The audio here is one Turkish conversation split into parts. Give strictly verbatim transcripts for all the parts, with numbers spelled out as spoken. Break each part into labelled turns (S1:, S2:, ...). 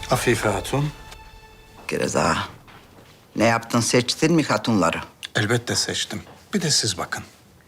S1: Afife Hatun.
S2: Gereza, ne yaptın, seçtin mi hatunları?
S1: Elbette seçtim. Bir de siz bakın.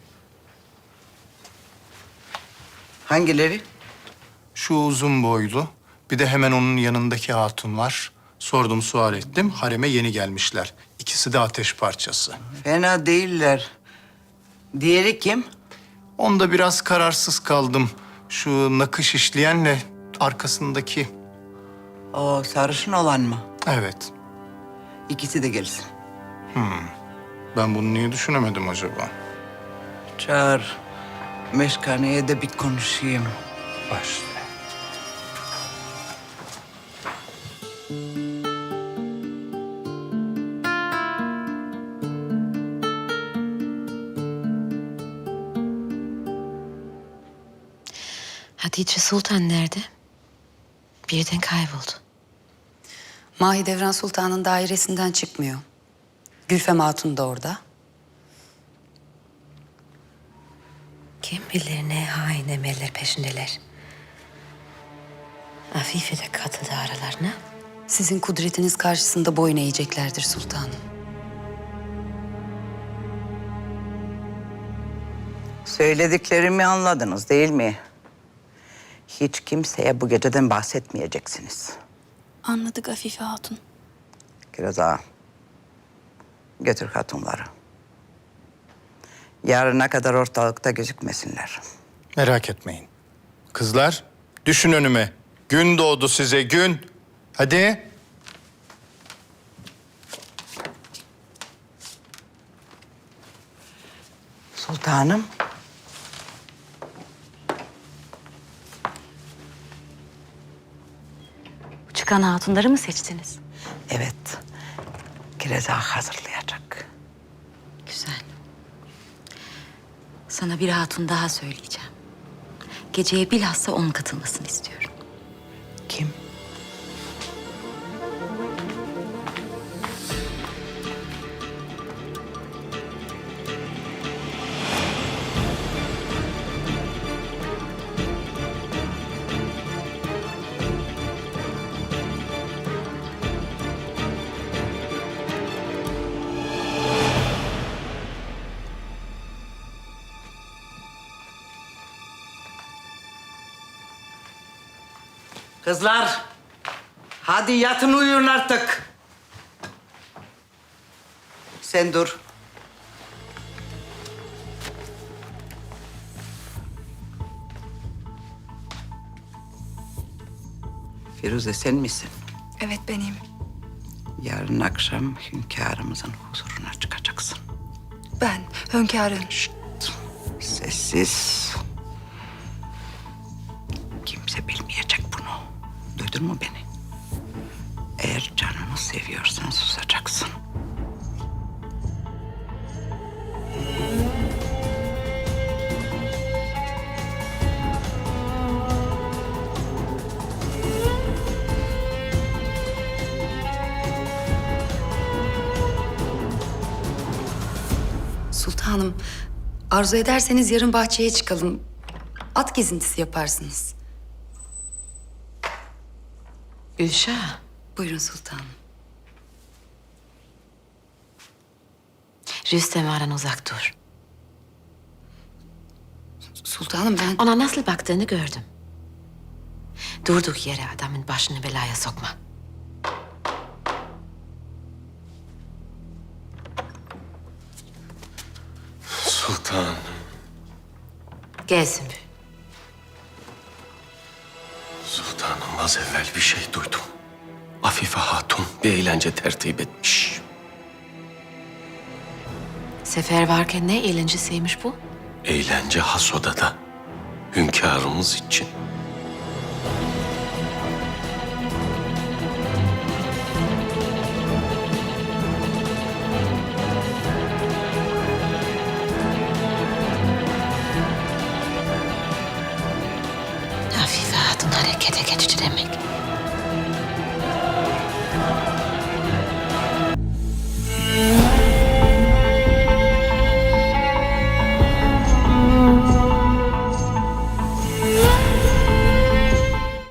S2: Hangileri?
S1: Şu uzun boylu, bir de hemen onun yanındaki hatun var. Sordum, sual ettim. Hareme yeni gelmişler. İkisi de ateş parçası.
S2: Fena değiller. Diğeri kim?
S1: Onda biraz kararsız kaldım. Şu nakış işleyenle arkasındaki.
S2: O sarışın olan mı?
S1: Evet.
S2: İkisi de gelsin.
S1: Ben bunu niye düşünemedim acaba?
S2: Çağır. Meşkaneye de bir konuşayım.
S1: Başla.
S3: Hatice Sultan nerede? Birden kayboldu.
S4: Mahidevran Sultan'ın dairesinden çıkmıyor. Gülfem Hatun da orada.
S3: Kim bilir ne hain emeller peşindeler. Afife de katıldı aralarına.
S4: Sizin kudretiniz karşısında boyun eğeceklerdir sultanım.
S2: Söylediklerimi anladınız değil mi? Hiç kimseye bu geceden bahsetmeyeceksiniz.
S5: Anladık Afife Hatun.
S2: Gereza, götür hatunları. Yarına kadar ortalıkta gözükmesinler.
S1: Merak etmeyin. Kızlar, düşün önüme. Gün doğdu size, gün. Hadi.
S2: Sultanım.
S5: Çıkan hatunları mı seçtiniz?
S2: Evet. Gereza hazırlayacak.
S3: Güzel. Sana bir hatun daha söyleyeceğim. Geceye bilhassa onun katılmasını istiyorum.
S2: Kim? Kızlar, hadi yatın uyuyun artık. Sen dur. Firuze sen misin?
S5: Evet benim.
S2: Yarın akşam hünkârımızın huzuruna çıkacaksın.
S5: Ben hünkârım.
S2: Sessiz. Kimse bilmeyecek bunu. Duydun mu beni? Eğer canını seviyorsan susacaksın.
S4: Sultanım, arzu ederseniz yarın bahçeye çıkalım. At gezintisi yaparsınız.
S3: Gülşah,
S4: Buyurun sultanım.
S3: Rüstem'den uzak dur.
S4: Sultanım ben...
S3: Ona nasıl baktığını gördüm. Durduk yere adamın başını belaya sokma.
S6: Sultan.
S3: Gel Sümbül.
S6: Sultanım az evvel bir şey duydum. Afife Hatun bir eğlence tertip etmiş.
S3: Sefer varken ne eğlencesiymiş bu?
S6: Eğlence has odada. Hünkârımız için.
S3: Afife Hatun harekete geçti demek.